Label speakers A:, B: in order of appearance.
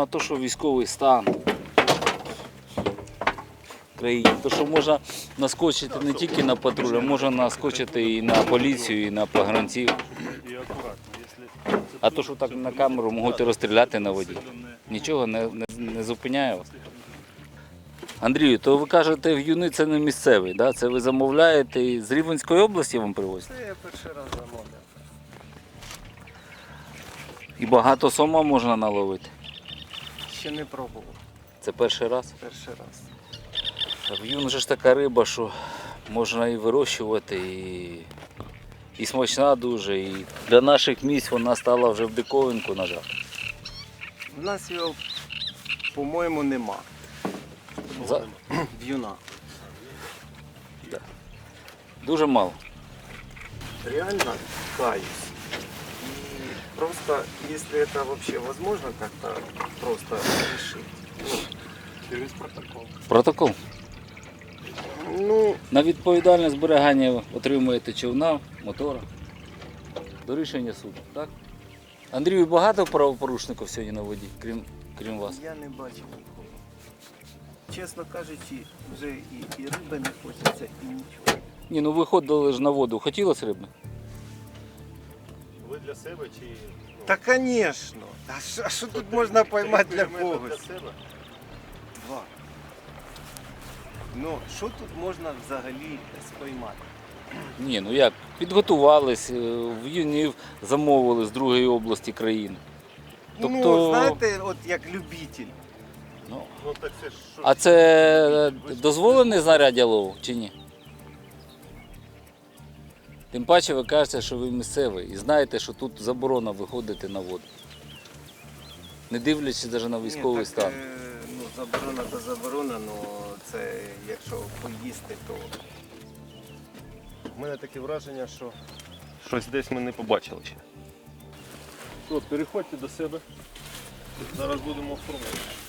A: на те, що військовий стан в країні, то що можна наскочити не тільки на патруль, а можна наскочити і на поліцію, і на погранців. А то, що так на камеру можуть розстріляти на воді, нічого не зупиняє вас. Андрію, то ви кажете, в'юни це не місцевий, да? Це ви замовляєте з Рівненської області вам привозять?
B: Це я перший раз замовляв.
A: І багато сома можна наловити?
B: Ще не пробував.
A: Це перший раз?
B: Перший раз.
A: В'юн же ж така риба, що можна і вирощувати, і смачна дуже. І для наших місць вона стала вже в диковинку, на жаль.
B: У нас його, по-моєму, нема. В'юна.
A: Дуже мало.
B: Реально каюсь. И просто, если это вообще возможно как-то просто решить. Через протокол.
A: Протокол.
B: Ну,
A: На відповідальне зберігання отримуєте човна, мотора. До рішення суду, так? Андрію, багато правопорушників сьогодні на воді, крім вас?
B: я не бачив нікого. Чесно кажучи, вже і риби не хочеться, і нічого.
A: Ні, ну виходили ж на воду. Хотілося риби?
C: Ви для себе чи...
B: Та, звісно. А що тут можна поймати для когось?
C: Для себе?
B: Два. Ну, що тут можна взагалі споймати?
A: Ні, ну як, підготувались, в'юнів замовили з другої області країни.
B: Ну, знаєте, от як любитель.
A: Ну,
C: Ну так це ж що?
A: а це дозволене знаряддя лову чи ні? Тим паче ви кажете, що ви місцевий і знаєте, що тут заборона виходити на воду. Не дивлячись навіть на військовий
B: Ні, так,
A: стан.
B: Ну, заборона то заборона, але це якщо поїсти, то...
C: У мене таке враження, що щось десь ми не побачили ще. От, переходьте до себе. Зараз будемо оформляти.